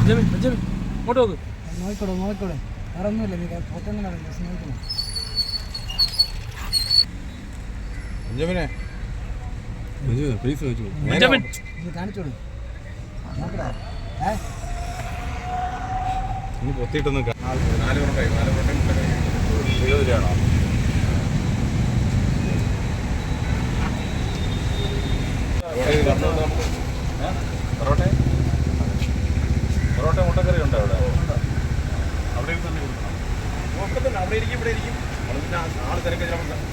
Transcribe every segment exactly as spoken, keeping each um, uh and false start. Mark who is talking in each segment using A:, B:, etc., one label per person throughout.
A: ഇങ്ങോട്ട് നോക്ക്.
B: നോക്കിക്കോളൂ നോക്കിക്കോളൂ വേറെ ഒന്നുമില്ല നീ പുറത്തൊന്നും നോക്കണം.
A: ബെഞ്ചമിനെ പ്ലീസ് ചോദിച്ചു
B: കാണിച്ചോളൂ
A: ഇനി പൊത്തിയിട്ടൊന്നും നാല് കൊണ്ടായി നാല് കൊണ്ടേ ഇരുപത് രൂപയാണോ? പൊറോട്ട പൊറോട്ട മുട്ടക്കറി ഉണ്ടോ അവിടെ? അവിടെ തന്നെ കൊടുക്കണം. തന്നെ അവിടെ ഇരിക്കും ഇവിടെ ഇരിക്കും. അവിടെ പിന്നെ ആൾ തിരക്ക്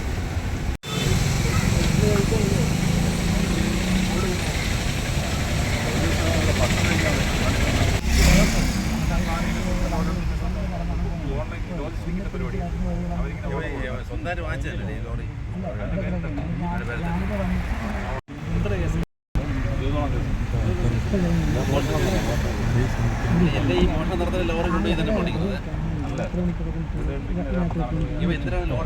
A: പരിപാടി സ്വന്തമായിട്ട് വാങ്ങിച്ചതല്ലേ ലോറി? എന്റെ ഈ മോഷണം നടത്തുന്ന ലോറി കൊണ്ടുപോയി തന്നെ പൊട്ടിക്കുന്നത് ഇവ എന്തിനാണ് ലോറി?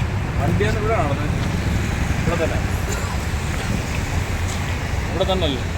A: വണ്ടിയാണ് ഇവിടെ നടന്നത്. ഇവിടെ തന്നെ ഇവിടെ തന്നെ അല്ലേ?